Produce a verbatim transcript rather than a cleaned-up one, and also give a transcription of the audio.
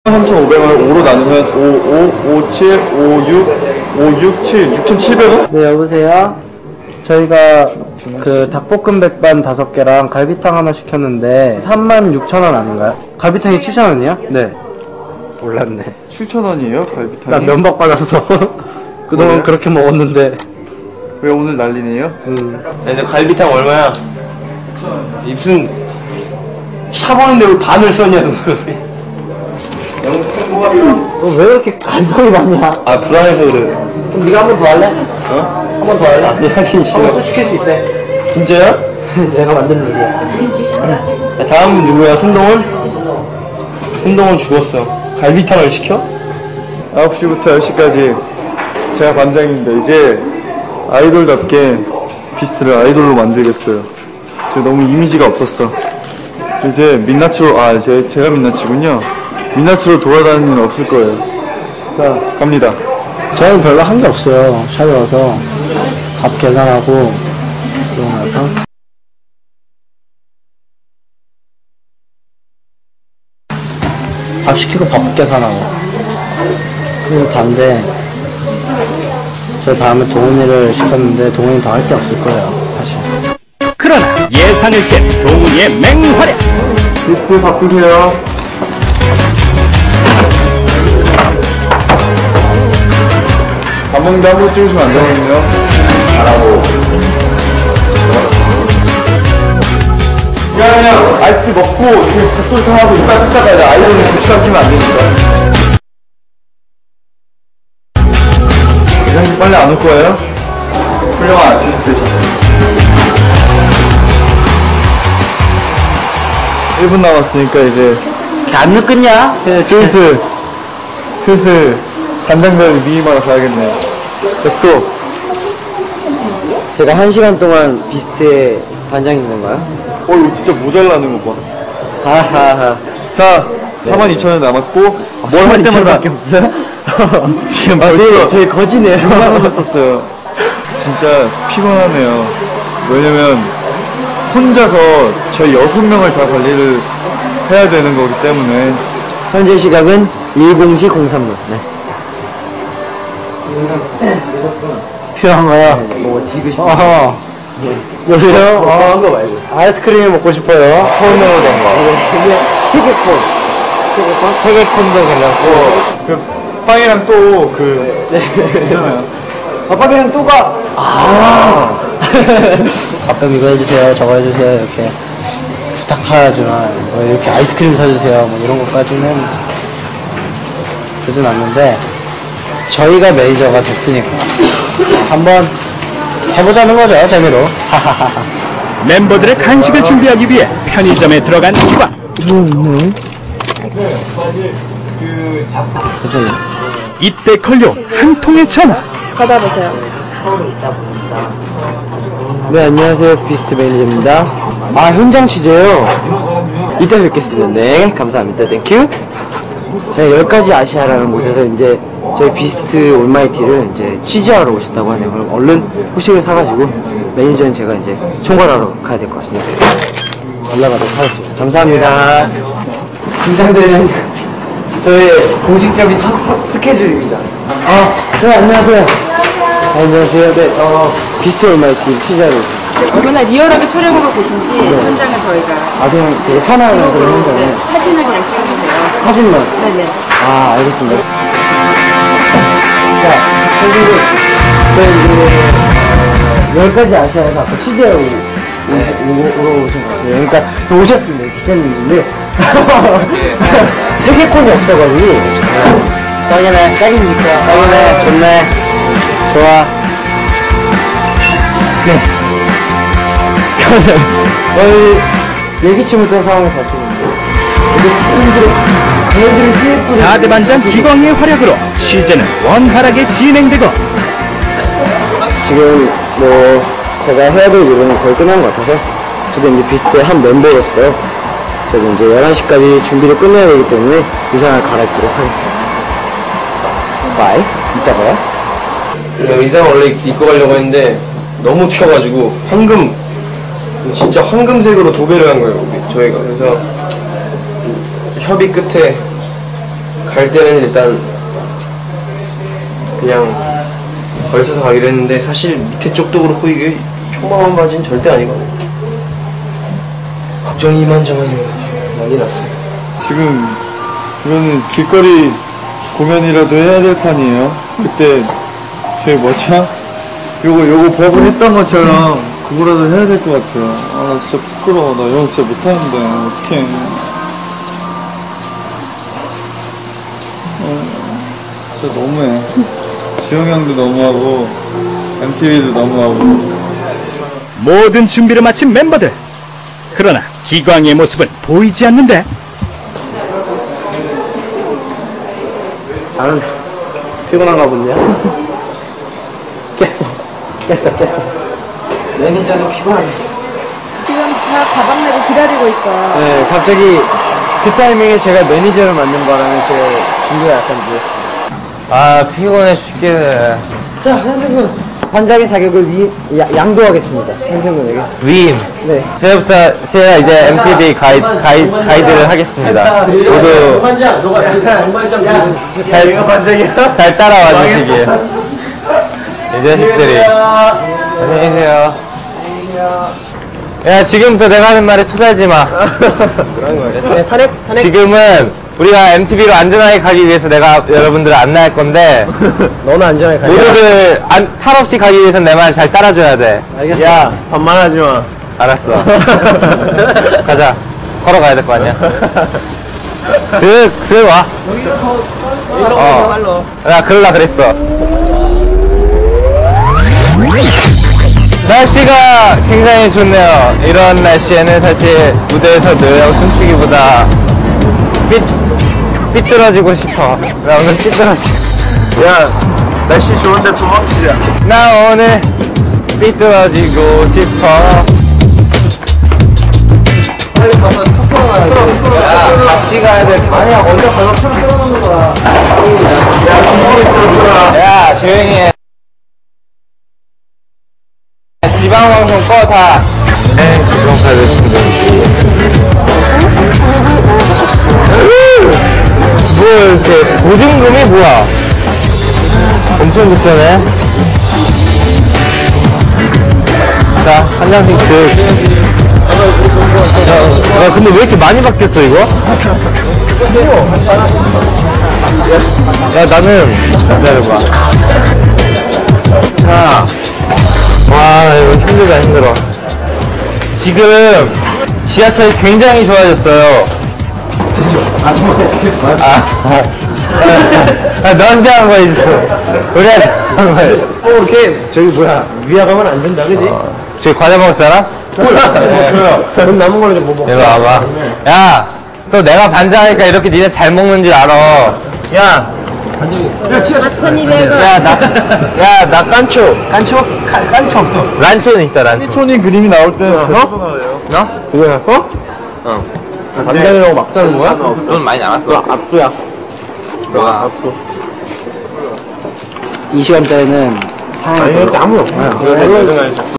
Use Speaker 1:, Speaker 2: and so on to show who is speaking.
Speaker 1: 삼천오백 원을 오로 나누면 오, 오, 오, 칠, 오, 육, 오, 육, 칠, 육천칠백 원?
Speaker 2: 네, 여보세요? 저희가 그 닭볶음 백반 다섯 개랑 갈비탕 하나 시켰는데 삼만 육천 원 아닌가요? 갈비탕이 칠천 원이요? 네. 몰랐네.
Speaker 1: 칠천 원이에요? 갈비탕이?
Speaker 2: 나 면박 받았어. 그동안
Speaker 1: 뭐예요?
Speaker 2: 그렇게 먹었는데.
Speaker 1: 왜 오늘 난리네요?
Speaker 2: 음.
Speaker 3: 근데 갈비탕 얼마야? 무슨 샤버인데 왜 반을 썼냐 너.
Speaker 2: 너 왜 이렇게 감성이 많냐?
Speaker 3: 아 불안해서 그래.
Speaker 2: 그럼 네가 한 번 더 할래?
Speaker 3: 어?
Speaker 2: 한 번 더 할래?
Speaker 3: 아니 하긴
Speaker 2: 한 번
Speaker 3: 싫어.
Speaker 2: 또 시킬 수 있대.
Speaker 3: 진짜야?
Speaker 2: 내가 만든 룰이야.
Speaker 3: 야, 다음은 누구야? 손동원? 손동원 죽었어. 갈비탕을 시켜?
Speaker 1: 아홉 시부터 열 시까지 제가 반장입니다. 이제 아이돌답게 비스트를 아이돌로 만들겠어요. 저 너무 이미지가 없었어. 이제 민낯으로, 아, 제, 제가 민낯이군요. 민낯으로 돌아다니는 일 없을 거예요. 자, 갑니다.
Speaker 2: 저는 별로 한 게 없어요. 샵에 와서 밥 계산하고 그러고 나서 밥 시키고 밥 계산하고 그리고 단데 저 다음에 동훈이를 시켰는데 동훈이 더 할 게 없을 거예요 사실.
Speaker 4: 그러나 예상을 깬 동훈이의 맹활약.
Speaker 1: 비스트 밥 드세요. 밥 먹는데 한 번 찍으시면 안 되거든요. 잘하고. 그냥 그냥 아이스티 먹고 지금 국소리 하고 이빨 뜯다가 이제 아이돌은 고치감 끼면 안 되니까. 회장님 빨리 안 올 거예요? 훌륭한 아티스트시죠. 일 분 남았으니까 이제
Speaker 2: 걔 안 늦겠냐?
Speaker 1: 슬슬 슬슬 간장별 미니마로 가야겠네요. 렛츠고.
Speaker 2: 제가 한 시간 동안 비스트의 반장이 있는 거야?
Speaker 1: 어 이거 진짜 모자라는 거 봐.
Speaker 2: 하하하.
Speaker 1: 자 사만 이천 원 남았고 뭘 할 때마다
Speaker 2: 없어요?
Speaker 1: 지금
Speaker 2: 아,
Speaker 1: 벌써
Speaker 2: 네, 저희 거지네요.
Speaker 1: 육만 원 썼어요. 진짜 피곤하네요. 왜냐면 혼자서 저희 여섯 명을 다 관리를 해야 되는 거기 때문에.
Speaker 2: 현재 시각은 일 시 공삼 분. 네. 필요한 거야? 뭐 지고 싶어. 어허. 여기요? 어, 한거 말고. 아이스크림이 먹고 싶어요. 콘으로 된 거. 이게 세개콘. 세개콘? 세개콘도 괜찮고.
Speaker 1: 그 빵이랑 또 그 있잖아요.
Speaker 2: 아빠랑 또 가! 아. 가끔 이거 해주세요, 저거 해주세요, 이렇게 부탁하지만, 뭐 이렇게 아이스크림 사주세요, 뭐 이런 것까지는 그러진 않는데, 저희가 매니저가 됐으니까, 한번 해보자는 거죠, 재미로.
Speaker 4: 멤버들의 간식을 준비하기 위해 편의점에 들어간 기광. 이때 걸려온 한 통의 전화.
Speaker 5: 받아보세요.
Speaker 2: 네, 안녕하세요. 비스트 매니저입니다. 아, 현장 취재요? 이따 뵙겠습니다. 네, 감사합니다. 땡큐. 네, 열 가지 아시아라는 곳에서 이제 저희 비스트 올마이티를 이제 취재하러 오셨다고 하네요. 그럼 얼른 후식을 사가지고 매니저는 제가 이제 총괄하러 가야 될 것 같습니다. 올라가도록 하겠습니다. 감사합니다. 긴장되는 저의 공식적인 첫 스- 스케줄입니다. 아, 네, 안녕하세요. 아, 안녕하세요. 네, 저 비스트 올마이티 취재하러
Speaker 5: 얼마나 리얼하게 촬영을 하고 계신지 현장을 저희가
Speaker 2: 아, 그냥 되게 편한 그런 현장에
Speaker 5: 사진을 그냥 찍어주세요.
Speaker 2: 사진만.
Speaker 5: 네네.
Speaker 2: 아, 알겠습니다. 자, 선생님, 저희 이제 열 가지 아시아에서 아까 취재하고 오러 오신 것 같아요. 그러니까 오셨습니다, 기자님인데. 세계권이 없어가지고. 딱이네, 딱입니까? 딱이네, 좋네. 좋아. 네. 저희 예기치 못한 상황을 봤습니다.
Speaker 4: 사 대 반장 기광의 활약으로 취재는 원활하게 진행되고
Speaker 2: 지금 뭐 제가 해야 될 일은 거의 끝난 것 같아서 저도 이제 비스트의 한 멤버로서 저도 이제 열한 시까지 준비를 끝내야 되기 때문에 의상을 갈아입도록 하겠습니다. 바이. 이따 봐요.
Speaker 3: 의상 원래 입고 가려고 했는데 너무 튀어가지고 황금 진짜 황금색으로 도배를 한 거예요 우리 저희가. 그래서 협의 끝에 갈 때는 일단 그냥 걸쳐서 가기로 했는데 사실 밑에 쪽도 그렇고 이게 평범한 바지는 절대 아니거든요. 걱정이 이만저만이 난리 났어요.
Speaker 1: 지금 이거는 길거리 공연이라도 해야 될 판이에요. 그때 저희 뭐죠? 요거 요거 버블 했던 것처럼 그거라도 해야 될 것 같아요. 아 나 진짜 부끄러워. 나 이런 거 진짜 못하는데 어떡해. 어, 진짜 너무해. 지영 형도 너무하고 엠티비도 너무하고.
Speaker 4: 모든 준비를 마친 멤버들. 그러나 기광의 모습은 보이지 않는데.
Speaker 2: 나는 피곤한가 본데요? 깼어. 깼어, 깼어. 매니저는 피곤하네.
Speaker 5: 지금 다 가방 내고 기다리고 있어.
Speaker 2: 네, 갑자기 그 타이밍에 제가 매니저를 만든 바람에 제 준비가 약간 늦었습니다.
Speaker 3: 아 피곤해 죽겠네.
Speaker 2: 자, 현승군. 반장의 자격을 위, 야, 양도하겠습니다. 현승군에게.
Speaker 3: 위임.
Speaker 2: 네.
Speaker 3: 제가부터 제가 이제 엠티비 가이, 가이, 가이드를 하겠습니다. 모두 잘, 잘 따라와 주시길. 이 자식들이. 안녕히 계세요. 야 지금부터 내가 하는 말에 투자하지 마.
Speaker 2: 그런 거예요. 네, 탄핵, 탄핵.
Speaker 3: 지금은 우리가 엠티비로 안전하게 가기 위해서 내가 여러분들을 안내할 건데
Speaker 2: 너는 안전하게 가야 돼.
Speaker 3: 모두들 안, 탈 없이 가기 위해선 내 말 잘 따라줘야 돼.
Speaker 2: 알겠어.
Speaker 3: 야
Speaker 2: 반말하지 마.
Speaker 3: 알았어. 가자. 걸어가야 될 거 아니야. 슥, 슥 와. 어. 나 그럴라 그랬어. 날씨가 굉장히 좋네요. 이런 날씨에는 사실 무대에서 노래하고 춤추기보다 삐, 삐뚤어지고 싶어. 나 오늘 삐뚤어지고.
Speaker 1: 야 날씨 좋은데 도망치자.
Speaker 3: 나 오늘 삐뚤어지고 싶어.
Speaker 2: 빨리 가서 턱걸어 가야 돼.
Speaker 3: 야, 같이 가야 돼.
Speaker 2: 아니야, 먼저 가서 차로 끊어놓는 거야.
Speaker 3: 야, 조용히 해. 지방방송 꺼, 다. 네, 지방사를 뭐, 이렇게, 보증금이 뭐야? 엄청 비싸네. 자, 한 장씩 쓱. 야, 야, 근데 왜 이렇게 많이 바뀌었어, 이거? 야, 나는, 기다려봐. 자. 와, 이거 힘들다, 힘들어. 지금, 지하철이 굉장히 좋아졌어요. 아, 아, 아, 너한테 한 거야, 우리한테 한 거야.
Speaker 2: 어, 이렇게, 저기 뭐야, 위아 가면 안 된다, 그지?
Speaker 3: 어, 저기 과자 먹을 사람?
Speaker 2: 돈 남은 걸로 좀 뭐 먹어.
Speaker 3: 이리 와봐. 야, 또 내가 반장하니까 이렇게 니네 잘 먹는 줄 알아. 야,
Speaker 5: 사천이백 원.
Speaker 3: 야, 나, 야, 나 깐초.
Speaker 2: 깐초? 깐, 깐초 없어.
Speaker 3: 란초는 있어, 란초.
Speaker 1: 촌이 그림이 나올 때 제일
Speaker 3: 어?
Speaker 1: 좋아해요.
Speaker 3: 어? 그거야, 어? 어.
Speaker 2: 반장이라고 막 따는 거야?
Speaker 3: 돈 많이 남았어.
Speaker 2: 압도야.
Speaker 3: 너가.
Speaker 2: 이 시간대에는 상황이
Speaker 1: 아니, 아무도 없어요.